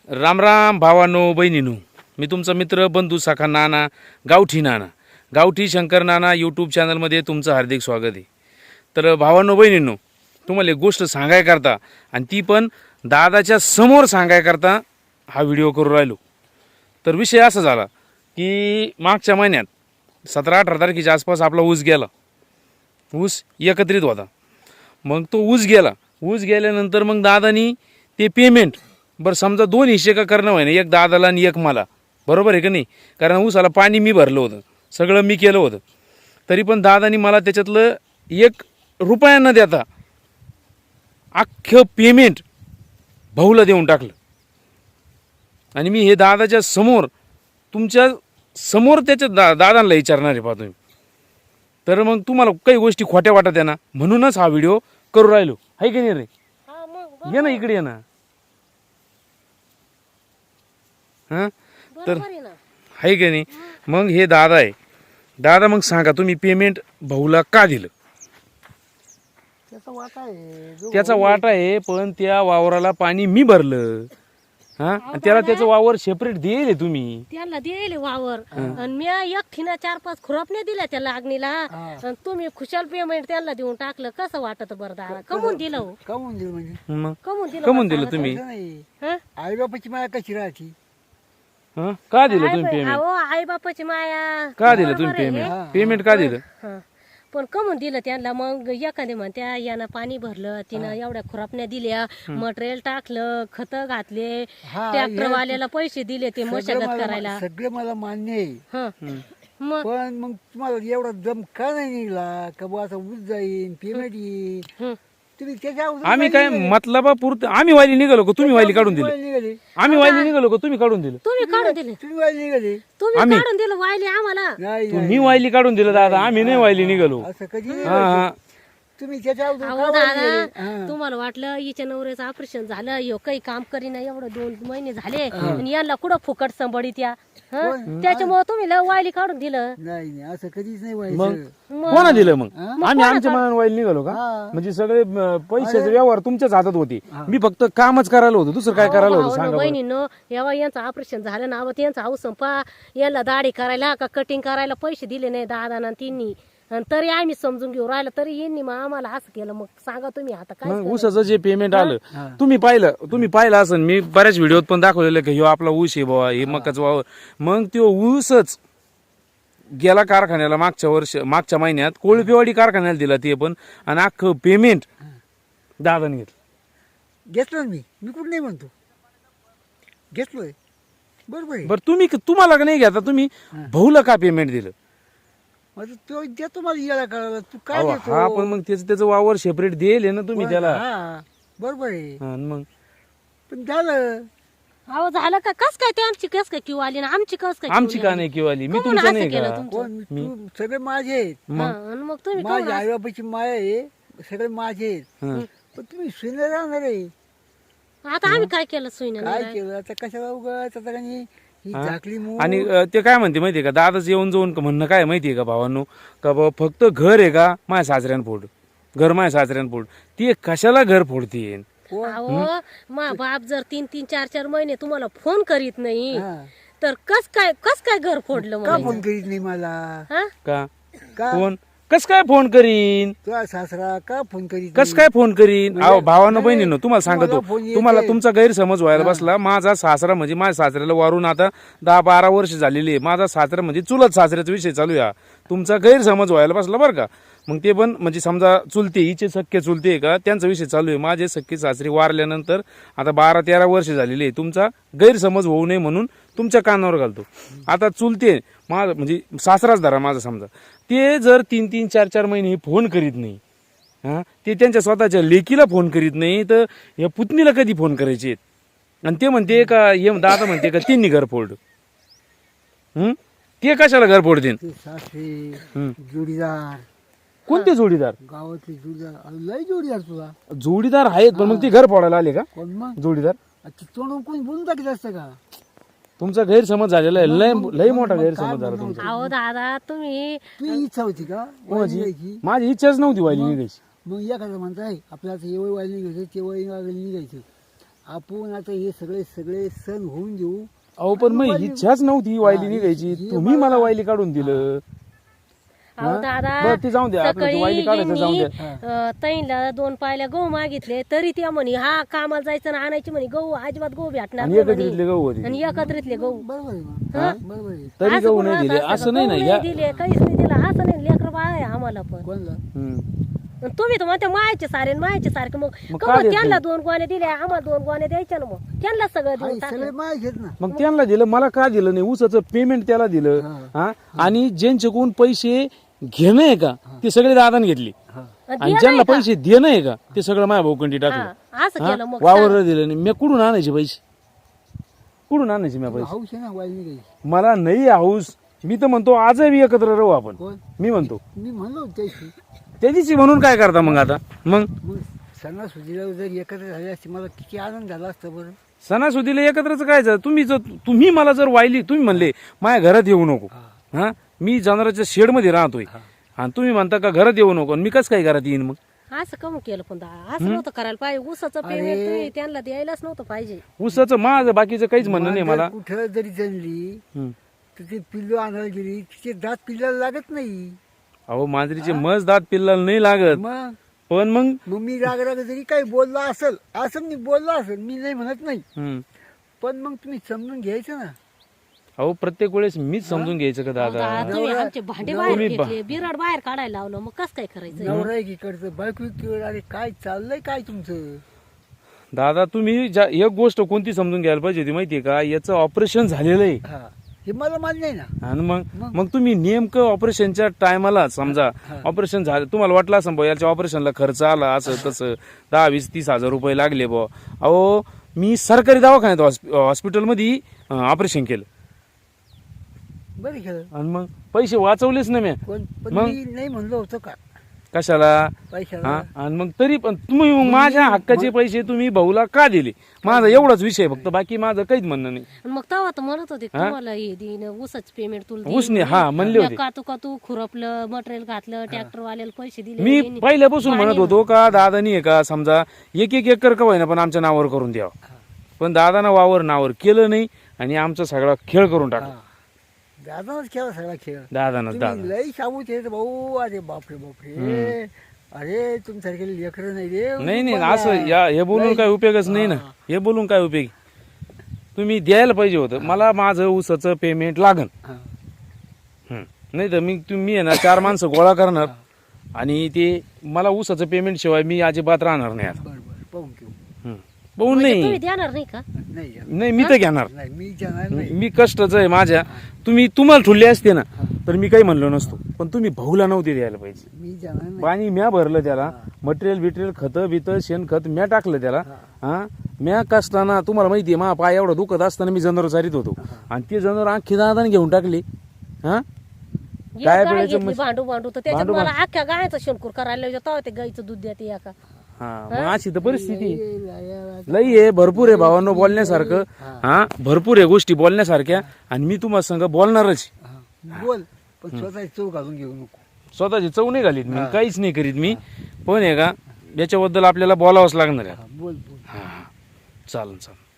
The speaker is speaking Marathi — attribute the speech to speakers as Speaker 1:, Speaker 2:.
Speaker 1: राम राम भावानो बहिणीनो, मी तुमचा मित्र बंधू सखा नाना गावठी शंकर नाना यूट्यूब चॅनलमध्ये तुमचं हार्दिक स्वागत आहे. तर भावानो बहिणींनो, तुम्हाला एक गोष्ट सांगाय करता आणि ती पण दादाच्या समोर सांगाय करता हा व्हिडिओ करू राहिलो. तर विषय असा झाला की मागच्या महिन्यात 17-18 तारखेच्या आसपास आपला ऊस गेला. ऊस एकत्रित होता. मग तो ऊस गेल्यानंतर मग दादानी ते पेमेंट बरं समजा 2 हिस्से का करणं व्हाय ना, एक दादाला आणि एक मला, बरोबर आहे का नाही? कारण ऊसाला पाणी मी भरलं होतं, सगळं मी केलं होतं. तरी पण दादानी मला त्याच्यातलं 1 रुपया न देता अख्खं पेमेंट भाऊला देऊन टाकलं. आणि मी हे दादाच्या समोर तुमच्या समोर त्याच्या दादांना विचारणार आहे पहा तुम्ही. तर मग तुम्हाला काही गोष्टी खोट्या वाटत आहे ना, म्हणूनच हा व्हिडिओ करू राहिलो. आहे की नाही रे? ये ना इकडे, ये ना. हां तर आहे की नाही? मग हे दादा आहे. दादा मग सांगा तुम्ही पेमेंट भाऊला का दिलं? त्याचा वाटा आहे, पण त्या वावराला पाणी मी भरलं. हा, त्याला त्याचं वावर सेपरेट दिले तुम्ही.
Speaker 2: त्याला दिले वावर आणि मी एकटीनं 4-5 खुरपण्या दिल्या त्याला अग्नीला. आणि तुम्ही खुशाल पेमेंट त्याला देऊन टाकलं. कसं वाटत बरं दादा? कमून दिलं हो?
Speaker 3: कमवून दिलं म्हणजे
Speaker 1: मग
Speaker 2: कमून दिलं
Speaker 1: तुम्ही?
Speaker 2: हं?
Speaker 3: आई बापाची माया कशी राहते?
Speaker 1: हा, का दिलं तुम्ही पेमेंट?
Speaker 2: अहो आई बापाची माया.
Speaker 1: का दिलं तुम्ही पेमेंट का दिलं?
Speaker 2: हं. पण कमून दिलं त्यांना. मग एखादी म्हणत्या यानं पाणी भरलं, तिनं एवढ्या खुरापण्या दिल्या, मटेरियल टाकलं, खत घातले, ट्रॅक्टरवाल्याला पैसे दिले ते मशागत करायला.
Speaker 3: सगळं मला मान्य आहे.
Speaker 2: हं. मग
Speaker 3: पण मग तुम्हाला एवढा दम का नाही निघला का बुवा आता ऊस जाईन पेमेंट येईल?
Speaker 2: हं.
Speaker 3: तुम्ही त्याच्या अगोदर
Speaker 1: आम्ही काय मतलबा पुरतं आम्ही वायली निघालो का तुम्ही वायली काढून दिली?
Speaker 3: निघाले.
Speaker 1: आम्ही वायली निघालो का तुम्ही काढून दिलं?
Speaker 2: तुम्ही काढून दिले.
Speaker 3: तुम्ही वाहिले निघाले.
Speaker 2: तुम्ही काढून दिलं वाहिले आम्हाला.
Speaker 3: नाही
Speaker 1: तुम्ही वायली काढून दिलं दादा, आम्ही नाही वायली निघालो.
Speaker 3: असं कधी नाही.
Speaker 1: हा हा.
Speaker 3: तुम्ही त्याच्या अगोदर
Speaker 2: अहो
Speaker 3: का वाहिले?
Speaker 2: दादा, तुम्हाला वाटलं हिच्या नवऱ्याचं ऑपरेशन झालं, ह्यो काही काम करीना, एवढं 2 महिने झाले आणि यांना कुठं फुकट संबळीत या. त्याच्यामुळे तुम्ही लय वायली काढून दिलं.
Speaker 3: नाही नाही असं कधीच नाही
Speaker 1: मग
Speaker 3: व्हायचं.
Speaker 1: कोणा दिलं? मग आम्ही आमच्या मनाने वायली निघालो का? म्हणजे सगळे पैशाचे व्यवहार तुमच्याच हातात होते. मी फक्त कामच करायला होतो, दुसरं काय करायला होतं सांगा बरं?
Speaker 2: बहिणीनं यावा यांचं ऑपरेशन झालं ना, यांचा हाऊस संपा, याला दाढी करायला का कटिंग करायला पैसे दिले नाही दादाना तिन्ही. आणि तरी आम्ही समजून घेऊ राहिलं, तरी यांनी मग आम्हाला असं केलं. मग सांगा तुम्ही आता काय?
Speaker 1: मग ऊसाचं जे पेमेंट आलं तुम्ही पाहिलं असं. मी बऱ्याच व्हिडिओत पण दाखवलेलं की ह्यो आपला ऊस आहे बाबा, हे मकाचं वावर. मग तो ऊसच गेला कारखान्याला मागच्या महिन्यात कोळपेवाडी कारखान्याला दिला ते पण, आणि अख्खं पेमेंट दादाने घेतलं.
Speaker 3: घेतलं मी कुठं नाही म्हणतो, घेतलोय. बरोबर आहे.
Speaker 1: बरं तुम्हाला का नाही घेता? तुम्ही भाऊला का पेमेंट दिलं?
Speaker 3: माझं तो देतो मला येळा करायला. तू काय
Speaker 1: अहो,
Speaker 3: देतो?
Speaker 1: हा पण मग त्याचं वावर सेपरेट दिले ना तुम्ही त्याला.
Speaker 3: हा, बरोबर आहे.
Speaker 1: हा, मग
Speaker 3: पण झालं.
Speaker 2: अहो झालं का? कस काय ते आमची कस काय क्यू आली ना? आमची कस काय
Speaker 1: आमची का नाही किंवा आली? मी
Speaker 2: कोण
Speaker 1: तुमचं
Speaker 2: असं
Speaker 1: नाही
Speaker 2: केलं
Speaker 1: का?
Speaker 2: तुमचं?
Speaker 3: कोण तू? सगळे माझे आहेत.
Speaker 2: मग तुम्ही
Speaker 3: माझ्या आई बापाची माया आहे, सगळे माझे आहेत.
Speaker 1: हा.
Speaker 3: पण तुम्ही सुने राहणार आहे.
Speaker 2: आता आम्ही काय केलं सुईनं?
Speaker 3: काय केलं आता? कशाला उगाच आता काही ही झाकली मूग.
Speaker 1: आणि ते काय म्हणते माहितीये का, दादाच येऊन जाऊन म्हणणं काय माहितीये का भावांनो, का बाबा फक्त घर आहे का माझ्या सासऱ्यानं फोड, घर माझ्या सासऱ्यानं फोड. ती कशाला घर फोडते?
Speaker 2: अहो मा बाप जर 3-3, 4-4 महिने तुम्हाला फोन करीत नाही,
Speaker 3: हा.
Speaker 2: तर कस काय घर फोडलं?
Speaker 3: का
Speaker 2: मग
Speaker 3: फोन करीत नाही मला?
Speaker 2: हा?
Speaker 1: का
Speaker 3: का
Speaker 1: फोन कस काय फोन करीन?
Speaker 3: तुझा सासरा का फोन करीत
Speaker 1: कस काय फोन करीन? अहो भावानं बहिणीनं तुम्हाला सांगतो,
Speaker 3: तुम्हाला फोन येते.
Speaker 1: तुम्हाला तुमचा गैरसमज व्हायला बसला. माझा सासरा म्हणजे माझ्या सासऱ्याला वारून आता 10-12 वर्ष झालेली आहे. माझा सासरा म्हणजे चुलत सासऱ्याचा विषय चालू आहे. तुमचा गैरसमज व्हायला बसला बरं का. मग ते पण म्हणजे समजा चुलते, हिचे सख्खे चुलते आहे का, त्यांचा विषय चालू आहे. माझे सख्खे सासरे वारल्यानंतर आता 12-13 वर्ष झालेली आहे. तुमचा गैरसमज होऊ नये म्हणून तुमच्या कानावर घालतो. आता चुलते माझा म्हणजे सासराच धरा माझा समजा, ते जर 3-3, 4-4 महिने फोन करीत नाही, हा, ते त्यांच्या स्वतःच्या लेकीला फोन करीत नाही, तर या पुतणीला कधी फोन करायचे? आणि ते म्हणते का, हे दादा म्हणते का त्यांनी घर फोड. ते कशाला घर फोडतील?
Speaker 3: ते सासरे जोडीदार,
Speaker 1: कोणते जोडीदार?
Speaker 3: गावातले जोडीदार, लय जोडीदार तुला.
Speaker 1: जोडीदार आहेत पण मग ते घर फोडायला आले का
Speaker 3: कोण मग?
Speaker 1: जोडीदार?
Speaker 3: आता तोंड कोणी बोलून टाकीत असतं का?
Speaker 1: तुमचा गैरसमज झालेला आहे, लय मोठा गैरसमज झाला तुमचा.
Speaker 2: अहो दादा तुम्ही
Speaker 3: तुझी इच्छा होती का वायली निघायची?
Speaker 1: माझी इच्छाच नव्हती व्हायली निघायची.
Speaker 3: मग एखादं म्हणताय आपल्याला हे वय वायली निघायचं, ते वय निघायचं. आपण आता हे सगळे सगळे सण होऊन देऊ.
Speaker 1: अहो पण मग इच्छाच नव्हती वायली निघायची, तुम्ही मला वायली काढून दिलं.
Speaker 2: अहो दादा
Speaker 1: बरं ते जाऊन द्या, आपलं
Speaker 2: सकाळी
Speaker 1: वायली काढायचं जाऊन
Speaker 2: यांनी,
Speaker 1: द्या.
Speaker 2: ताईंला 2 पायल्या गहू मागितले तरी त्या म्हणे हा कामाला जायचं ना आणायची म्हणे गहू अजिबात गहू भेटणार
Speaker 1: आणि
Speaker 2: नाही
Speaker 1: एकत्रितले
Speaker 2: म्हणे.
Speaker 1: गहू होते
Speaker 2: आणि एकत्रितले गहू
Speaker 3: बरोबर आहे ना, बरोबर आहे.
Speaker 1: तरी
Speaker 2: असं
Speaker 1: गहू
Speaker 2: कोण
Speaker 1: नाही
Speaker 2: राहत
Speaker 1: दिले,
Speaker 2: असतं
Speaker 1: असं
Speaker 2: का?
Speaker 1: नाही ना.
Speaker 2: गहू
Speaker 1: या
Speaker 2: दिले काहीच नाही दिलं असं नाही. लेकर बाळ आहे आम्हाला पण.
Speaker 3: कोणला
Speaker 1: हम्म.
Speaker 2: आणि तुम्ही तर म्हणते मायाचे सारे मायाचे सारखे मग
Speaker 1: मग
Speaker 2: का
Speaker 1: काय
Speaker 2: मग
Speaker 1: देत
Speaker 2: त्यांना 2 गोण्या दिल्या आम्हाला 2 गोण्या द्यायच्या ना मग त्यांना सगळं देऊन
Speaker 3: सगळे
Speaker 2: टाकलं.
Speaker 3: माय घेत ना.
Speaker 1: मग त्यांना दिलं, मला का दिलं नाही? ऊसाचं पेमेंट त्याला दिलं. हा आणि ज्यांच्याकडून पैसे घेणं आहे का ते सगळे दादाने घेतले, आणि ज्यांना पैसे देणं आहे का ते सगळं माझ्या भाऊकंडी टाकलं.
Speaker 2: हा, असं केलं मग
Speaker 1: वावर दिलं नाही. मी कुठून आणायचे पैसे? कुठून आणायचे मी पैसे?
Speaker 3: हौस आहे ना वायली निघायची.
Speaker 1: मला नाही हाऊस. मी तर म्हणतो आजही एकत्र राहू आपण.
Speaker 3: कोण
Speaker 1: मी म्हणतो
Speaker 3: मी म्हणलो त्याशी.
Speaker 1: त्या दिवशी म्हणून काय करता मग आता? मग
Speaker 3: मग सणासुदीला जर एकत्र झाले असते मला किती आनंद झाला असता बरं.
Speaker 1: सणासुदीला एकत्रच काय तुम्ही मला जर वाहिली, तुम्ही म्हणले माझ्या घरात येऊ नको. हा मी जनावरांच्या शेडमध्ये राहतोय आणि तुम्ही म्हणता का घरात येऊ नको, आणि मी कसं काय घरात येईन मग?
Speaker 2: असं कम केलं पण दादा असं नव्हतं करायला पाहिजे. ऊसाचं पेमेंट तुम्ही त्यांना द्यायलाच नव्हतं पाहिजे.
Speaker 1: ऊसाचं माझं बाकीचं काहीच म्हणणं नाही मला.
Speaker 3: कुठं जरी जणली
Speaker 1: हम्म.
Speaker 3: तर ते पिल्लू आणायला गेली तिचे दात पिल्लाला लागत नाही.
Speaker 1: अहो मांजरीचे मज दात पिल्लाला नाही लागत,
Speaker 3: मग
Speaker 1: पण मग
Speaker 3: मग मी राग जरी काही बोलला असेल असं मी बोललो असेल, मी नाही म्हणत नाही,
Speaker 1: हम्म.
Speaker 3: पण मग तुम्ही समजून घ्यायचं ना.
Speaker 1: अहो प्रत्येक वेळेस मीच समजून घ्यायचं का दादा?
Speaker 2: दादा, तुम्ही आमचे भांडे बाहेर घेतले, बिराड बाहेर काढायला लावलं, मग कसं काय करायचं?
Speaker 3: नवरा एक इकडचं बायको इकडं. अरे काय चाललंय काय तुमचं?
Speaker 1: दादा तुम्ही एक गोष्ट कोणती समजून घ्यायला पाहिजे होती माहितीये का? याचं ऑपरेशन झालेलं आहे,
Speaker 3: हा हे मला मान्य आहे ना.
Speaker 1: आणि मग तुम्ही नेमकं ऑपरेशनच्या टायमाला समजा ऑपरेशन झालं, तुम्हाला वाटलं असं भाऊ याच्या ऑपरेशनला खर्च आला असं तसं 10, 20, 30 हजार रुपये लागले बुवा. अहो मी सरकारी दवाखान्यात हॉस्पिटलमध्ये ऑपरेशन केलं,
Speaker 3: बरं केलं.
Speaker 1: आणि मग पैसे वाचवलेच ना मी.
Speaker 3: पण पण
Speaker 1: मग?
Speaker 3: मी नाही म्हणलो होतो का
Speaker 1: कशाला?
Speaker 3: पैशाला?
Speaker 1: हा आणि मग तरी पण तुम्ही मग माझ्या हक्काचे पैसे तुम्ही भाऊला का दिले? माझा एवढाच विषय फक्त, बाकी माझं काहीच म्हणणं नाही.
Speaker 2: आणि मग तेव्हा तर म्हणत होते तुम्हाला हे देईन ऊसाच पेमेंट तुला देईन.
Speaker 1: उसने हा म्हणले होते.
Speaker 2: कातू खुरपलं, मटेरियल घातलं, ट्रॅक्टर वाल्याला पैसे दिले.
Speaker 1: मी
Speaker 2: यांनी.
Speaker 1: पहिल्यापासून म्हणत होतो का दादानी आहे का समजा 1-1 एकर का होईना पण आमच्या नावावर करून द्यावं, पण दादानं वावर नावावर केलं नाही आणि आमचा सगळा खेळ करून टाकला.
Speaker 3: दादाच केला सगळा खेळ.
Speaker 1: दादानच
Speaker 3: तुम्ही
Speaker 1: दादा.
Speaker 3: लई शाबूत येत भाऊ. अरे बापरे बापरे. अरे तुमच्यासारखे लेकरं नाही रे.
Speaker 1: नाही असं हे बोलून काय उपयोगच नाही ना. हे बोलून काय उपयोग? तुम्ही द्यायला पाहिजे होतं मला. माझं ऊसाचं पेमेंट लागन, नाही तर तुम्ही आहे ना 4 माणसं गोळा करणार आणि ते मला ऊसाचं पेमेंट शिवाय मी अजिबात राहणार नाही आता.
Speaker 3: बरं बरं पाहून घेऊ.
Speaker 1: पाहून
Speaker 2: म्हणजे
Speaker 1: नाही
Speaker 2: तुम्ही देणार नाही का?
Speaker 3: नाही जाणार.
Speaker 1: नाही मी तर घेणार.
Speaker 3: नाही मी जाणार नाही.
Speaker 1: मी कष्टच आहे माझ्या. तुम्हाला ठुले असते ना तर मी काही म्हणलो नसतो, पण तुम्ही भाऊला नव्हते द्यायला पाहिजे.
Speaker 3: मी जाणार नाही.
Speaker 1: पाणी म्या भरलं त्याला, मटेरियल खतं बितं शेणखत म्या टाकलं त्याला. हा म्या कष्टाना तुम्हाला माहितीये मा पाय एवढा दुखत असताना मी जनावर चारित होतो, आणि ते जनावर आणखी दादाने घेऊन टाकले. हा
Speaker 2: एक
Speaker 1: काय
Speaker 2: गाय
Speaker 1: बोलायचं
Speaker 2: घेतली भांडू तर त्याच्यात
Speaker 1: भांडू
Speaker 2: मला अख्ख्या गायचं शेणकूर करायला लावलं, तेव्हा ते गाईचं दूध देते या का?
Speaker 1: हा मग अशी तर परिस्थिती लई आहे. भरपूर आहे भावांनो बोलण्यासारखं. हा भरपूर आहे गोष्टी बोलण्यासारख्या, आणि मी तुम्हाला संग बोलणारच.
Speaker 3: बोल पण स्वतःची चव घालून घेऊ नको.
Speaker 1: स्वतःची चव नाही घालीत मी, काहीच नाही करीत मी, पण आहे का याच्याबद्दल आपल्याला बोलावंच लागणार आहे.
Speaker 3: बोल बोल.
Speaker 1: हा चालेल.